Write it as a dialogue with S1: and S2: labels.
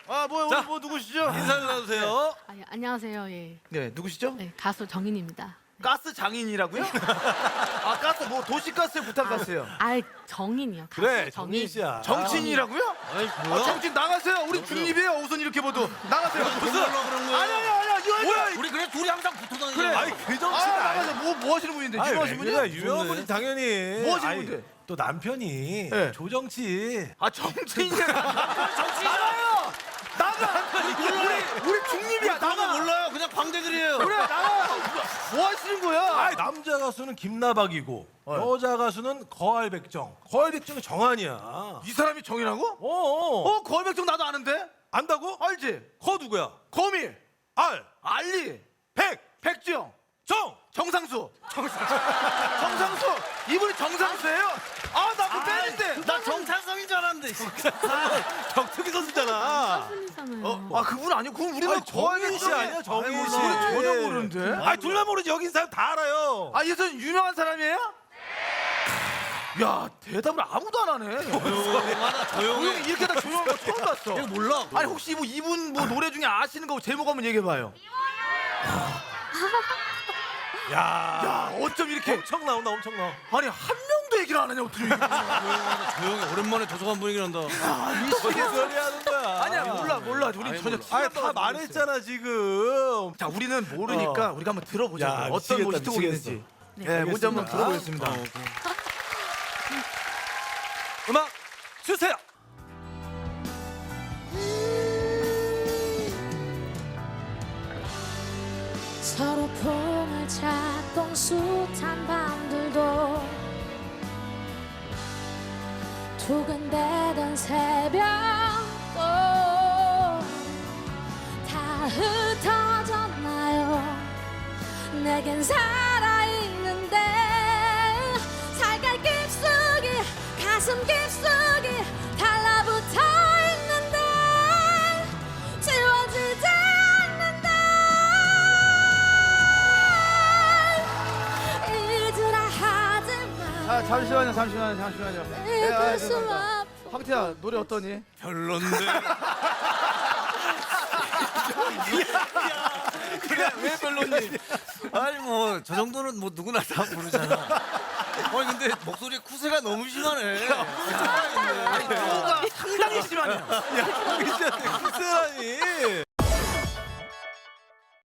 S1: 자.
S2: 뭐 누구시죠?
S1: 인사를 나누세요.
S3: 아, 예, 안녕하세요. 예.
S2: 네, 누구시죠?
S3: 네, 가수 정인입니다.
S2: 가스 장인이라고요? 아, 가스 뭐 도시가스에 부탁가스요.
S3: 아, 정인이요. 가수
S1: 그래,
S3: 정인.
S1: 정민 씨야.
S2: 정치인이라고요?
S1: 아이,
S2: 아,
S1: 뭐야?
S2: 정치인 나가세요. 우리 중립이에요. 우선 이렇게 봐도 나가세요.
S1: 무슨 그런 거야?
S2: 아니야, 이거
S1: 뭐야?
S4: 우리 그래 둘이 항상 붙어 다니는
S2: 그래.
S1: 아니, 그 정치는
S2: 나가세요. 뭐 하시는 분인데?
S1: 아니,
S2: 유명하신
S1: 왜
S2: 분이야?
S1: 그래? 유명한 분이 당연히.
S2: 뭐 하시는
S1: 아니,
S2: 분인데?
S1: 또 남편이
S2: 네.
S1: 조정치.
S2: 아, 정치인이야. 나가요. 나가. 우리 중립이야. 나가.
S4: 몰라요. 그냥 광대들이에요.
S2: 그래, 나가. 뭐 하시는 거야?
S1: 아니, 남자 가수는 김나박이고
S2: 네.
S1: 여자 가수는 거할백정. 거할백정이 정한이야.
S2: 이 사람이 정이라고?
S1: 어.
S2: 거백정 나도 아는데?
S1: 안다고?
S2: 알지?
S1: 거 누구야?
S2: 거미,
S1: 알,
S2: 알리,
S1: 백,
S2: 백지영,
S1: 정.
S2: 정상수. 정상수. 이분이 정상수예요? 아, 나 그 팬인데.
S4: 나 정찬성인 줄 알았는데.
S1: 격투기 선수잖아.
S3: 가수이잖아요.
S2: 아, 그분 아니고 그분 우리가
S1: 아니, 정민 씨 아니야, 정민 씨.
S2: 전혀 모르는데.
S1: 아니, 둘만 모르지. 여기 있는 사람 다 알아요.
S2: 아, 이 사람 유명한 사람이에요? 야, 대답을 아무도 안 하네. 조용히 이렇게 다 조용한 거 처음 봤어.
S4: 내가 몰라.
S2: 아니, 혹시 뭐 이분 뭐 노래 중에 아시는 거 제목 한번 얘기해 봐요.
S1: 야,
S2: 야, 어쩜 이렇게
S1: 엄청 나온다, 엄청 나와.
S2: 아니, 한 명도 얘기를 안 하냐, 어떻게.
S4: 조용히 오랜만에 도서관 분위기 난다.
S1: 무슨 소리 하는 거야?
S2: 아니야, 몰라. 우리 전혀
S1: 아니, 다 말했잖아, 지금.
S2: 자, 우리는 모르니까 우리가 한번 들어보자.
S1: 야,
S2: 어떤
S1: 미치겠다,
S2: 뭐 히트곡이
S1: 미치겠어.
S2: 있는지. 네, 먼저 한번
S1: 알겠습니다.
S2: 들어보겠습니다.
S1: 음악 주세요.
S5: 서로 폼을 찾던 숱한 밤들도 두근대던 새벽도 다 흩어졌나요? 내겐 살아있는데 살갈 깊숙이 가슴 깊숙이 달라붙어 있는데 지워지지 않는다. 잊으라 하지마.
S2: 아, 잠시만요.
S5: 잊을 수 없어.
S2: 황태야, 노래 어떠니?
S4: 별론데. 그래 왜 별론지. 아니 뭐 저 정도는 뭐 누구나 다 부르잖아. 아니 근데 목소리 쿠세가 너무 심하네.
S2: 아니, 가 상당히 심하네요.
S1: 야, 진짜 엑스라니.